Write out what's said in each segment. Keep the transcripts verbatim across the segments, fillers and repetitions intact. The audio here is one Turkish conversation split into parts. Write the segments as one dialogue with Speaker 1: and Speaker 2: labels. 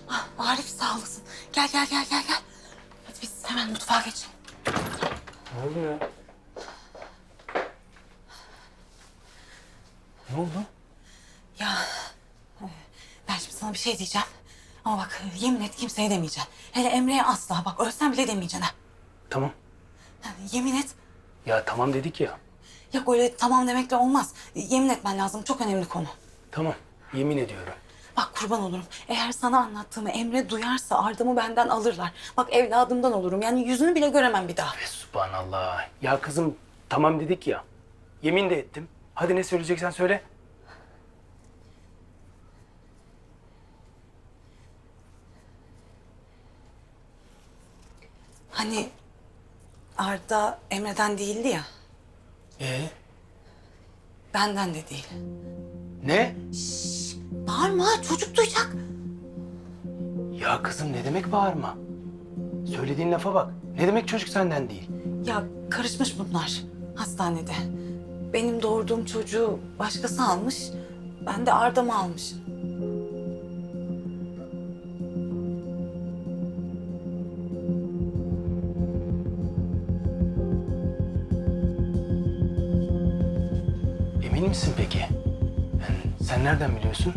Speaker 1: Ah, Arif sağ olasın. Gel gel gel gel gel. Hadi biz hemen mutfağa geçelim.
Speaker 2: Ne oldu ya? Ne oldu?
Speaker 1: Ya e, ben şimdi sana bir şey diyeceğim. Ama bak yemin et kimseye demeyeceğim. Hele Emre'ye asla bak ölsen bile demeyeceksin ha.
Speaker 2: Tamam.
Speaker 1: Yani yemin et.
Speaker 2: Ya tamam dedik ya.
Speaker 1: Yok öyle tamam demekle olmaz. Yemin etmen lazım çok önemli konu.
Speaker 2: Tamam. Yemin ediyorum.
Speaker 1: Bak kurban olurum. Eğer sana anlattığımı Emre duyarsa ardımı benden alırlar. Bak evladımdan olurum. Yani yüzünü bile göremem bir daha.
Speaker 2: Ve subhanallah. Ya kızım tamam dedik ya. Yemin de ettim. Hadi ne söyleyeceksen söyle.
Speaker 1: Hani Arda Emre'den değildi ya.
Speaker 2: Ee?
Speaker 1: Benden de değil.
Speaker 2: Ne?
Speaker 1: Bağırma çocuk duyacak.
Speaker 2: Ya kızım ne demek bağırma? Söylediğin lafa bak. Ne demek çocuk senden değil?
Speaker 1: Ya karışmış bunlar hastanede. Benim doğurduğum çocuğu başkası almış. Ben de Arda'mı almışım.
Speaker 2: Emin misin peki? Yani sen nereden biliyorsun?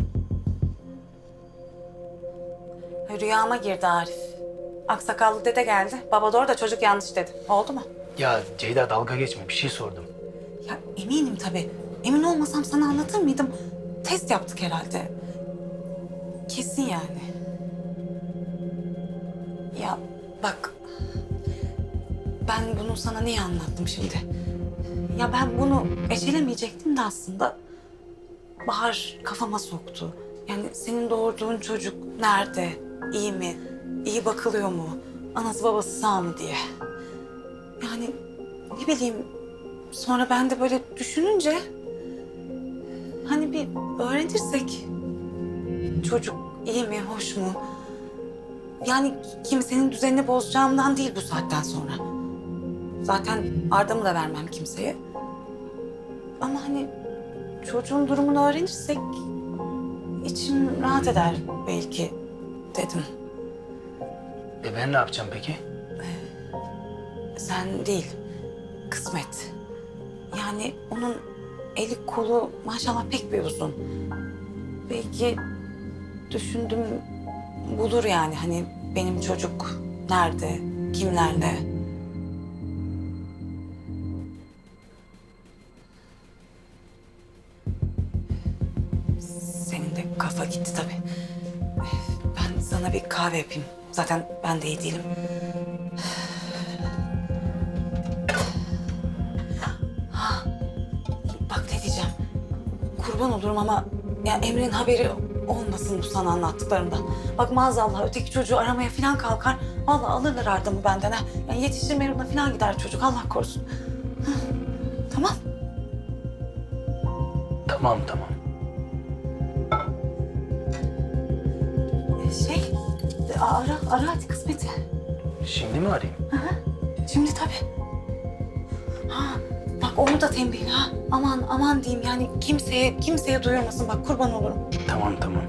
Speaker 1: Rüyama girdi Arif. Aksakallı dede geldi. Baba doğru da çocuk yanlış dedi. Oldu mu?
Speaker 2: Ya Ceyda dalga geçme. Bir şey sordum.
Speaker 1: Ya eminim tabii. Emin olmasam sana anlatır mıydım? Test yaptık herhalde. Kesin yani. Ya bak. Ben bunu sana niye anlattım şimdi? Ya ben bunu ecelemeyecektim de aslında. Bahar kafama soktu. Yani senin doğurduğun çocuk nerede? İyi mi? İyi bakılıyor mu? Anası babası sağ mı diye. Yani ne bileyim sonra ben de böyle düşününce hani bir öğrenirsek çocuk iyi mi, hoş mu? Yani kimsenin düzenini bozacağımdan değil bu saatten sonra. Zaten Arda'mı da vermem kimseye. Ama hani çocuğun durumunu öğrenirsek içim rahat eder belki dedim.
Speaker 2: E ben ne yapacağım peki?
Speaker 1: Sen değil, kısmet. Yani onun eli kolu maşallah pek bir uzun. Belki düşündüm bulur yani hani benim çocuk nerede, kimlerle. Senin de kafa gitti tabii. Ben sana bir kahve yapayım. Zaten ben de iyi değilim. Ha, bak ne diyeceğim. Kurban olurum ama ya Emre'nin haberi olmasın bu sana anlattıklarımdan. Bak maazallah öteki çocuğu aramaya falan kalkar. Vallahi alırlar Arda'mı benden ha. Yani yetiştirme yoluna falan gider çocuk Allah korusun. Hı, tamam.
Speaker 2: Tamam tamam.
Speaker 1: Şey ara ara hadi kısmeti.
Speaker 2: Şimdi mi arayayım?
Speaker 1: Şimdi tabii. Ha, bak onu da tembihin ha. Aman aman diyeyim yani kimseye kimseye duyurmasın bak kurban olurum.
Speaker 2: Tamam tamam.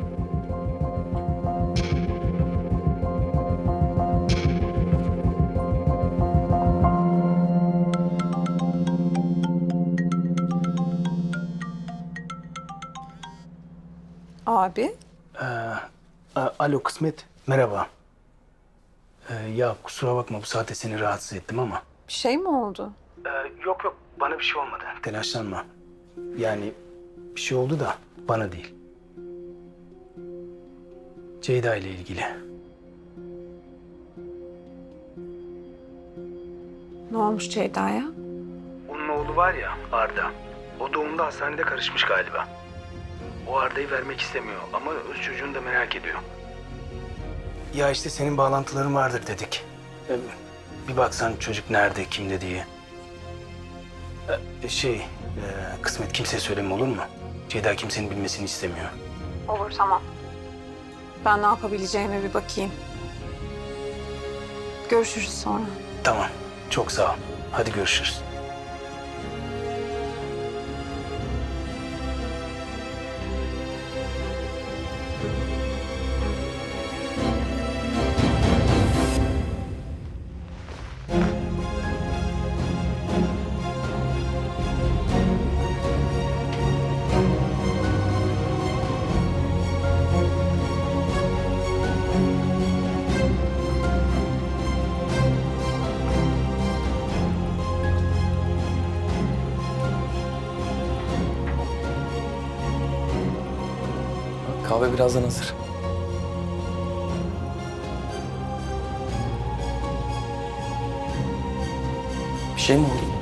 Speaker 3: Abi,
Speaker 2: Ee, a- alo Kısmet, merhaba. Ee, ya kusura bakma bu saate seni rahatsız ettim ama.
Speaker 3: bir şey mi oldu?
Speaker 2: Ee, yok yok bana bir şey olmadı. Telaşlanma. Yani bir şey oldu da bana değil. Ceyda ile ilgili.
Speaker 3: Ne olmuş Ceyda'ya?
Speaker 2: Onun oğlu var ya Arda. O doğumda hastanede karışmış galiba. O Arda'yı vermek istemiyor ama öz çocuğunu da merak ediyor. Ya işte senin bağlantıların vardır dedik. Ee, bir baksan çocuk nerede, kimde diye. Ee, şey, e, Kısmet kimseye söyleme olur mu? Ceyda kimsenin bilmesini istemiyor.
Speaker 3: Olur, tamam. Ben ne yapabileceğime bir bakayım. Görüşürüz sonra.
Speaker 2: Tamam, çok sağ ol. Hadi görüşürüz.
Speaker 4: Kahve birazdan hazır. Bir şey mi oldu?